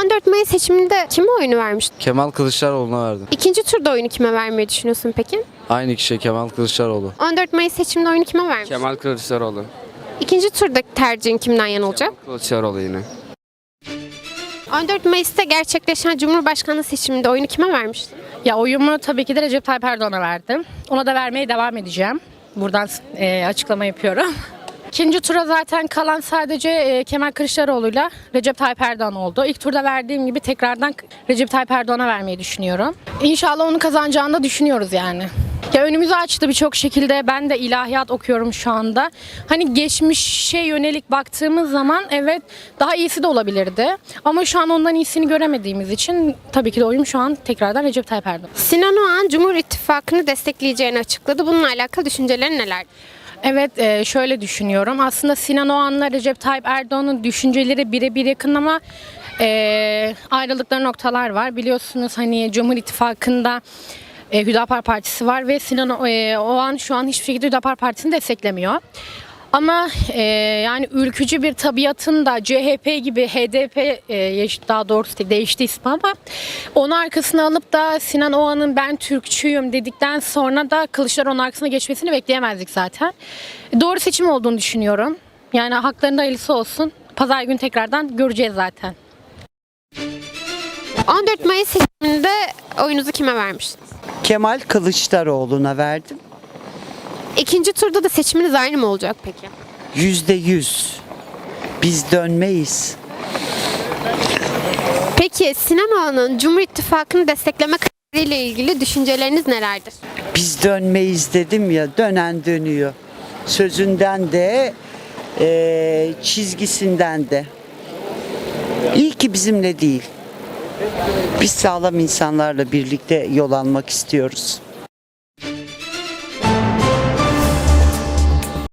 14 Mayıs seçiminde kime oyunu vermiştin? Kemal Kılıçdaroğlu'na verdim. İkinci turda oyunu kime vermeyi düşünüyorsun peki? Aynı kişi Kemal Kılıçdaroğlu. 14 Mayıs seçiminde oyunu kime vermiştin? Kemal Kılıçdaroğlu. İkinci turdaki tercihin kimden yana olacak? Kılıçdaroğlu yine. 14 Mayıs'ta gerçekleşen Cumhurbaşkanlığı seçiminde oyunu kime vermiştin? Ya oyumu tabii ki de Recep Tayyip Erdoğan'a verdim. Ona da vermeye devam edeceğim. Buradan açıklama yapıyorum. İkinci tura zaten kalan sadece Kemal Kılıçdaroğlu'yla Recep Tayyip Erdoğan oldu. İlk turda verdiğim gibi tekrardan Recep Tayyip Erdoğan'a vermeyi düşünüyorum. İnşallah onu kazanacağını da düşünüyoruz yani. Ya önümüzü açtı birçok şekilde. Ben de ilahiyat okuyorum şu anda. Hani geçmişe yönelik baktığımız zaman evet daha iyisi de olabilirdi. Ama şu an ondan iyisini göremediğimiz için tabii ki de oyum şu an tekrardan Recep Tayyip Erdoğan. Sinan Oğan Cumhur İttifakı'nı destekleyeceğini açıkladı. Bununla alakalı düşüncelerin neler? Evet, şöyle düşünüyorum. Aslında Sinan Oğan'la Recep Tayyip Erdoğan'ın düşünceleri birebir yakın ama ayrılıkları noktalar var. Biliyorsunuz hani Cumhur İttifakı'nda Hüdapar Partisi var ve Sinan Oğan şu an hiçbir şekilde Hüdapar Partisi'ni desteklemiyor. Ama yani ülkücü bir tabiatın da CHP gibi HDP daha doğrusu değişti ismi ama onu arkasına alıp da Sinan Oğan'ın ben Türkçüyüm dedikten sonra da Kılıçdaroğlu'nun arkasına geçmesini bekleyemezdik zaten. Doğru seçim olduğunu düşünüyorum. Yani haklarında hayırlısı olsun. Pazar günü tekrardan göreceğiz zaten. 14 Mayıs seçiminde oyunuzu kime vermiştiniz? Kemal Kılıçdaroğlu'na verdim. İkinci turda da seçiminiz aynı mı olacak peki? %100. Biz dönmeyiz. Peki Sinan Oğan'ın Cumhur İttifakı'nı destekleme kararıyla ilgili düşünceleriniz nelerdir? Biz dönmeyiz dedim ya, dönen dönüyor. Sözünden de, çizgisinden de. İyi ki bizimle değil. Biz sağlam insanlarla birlikte yol almak istiyoruz.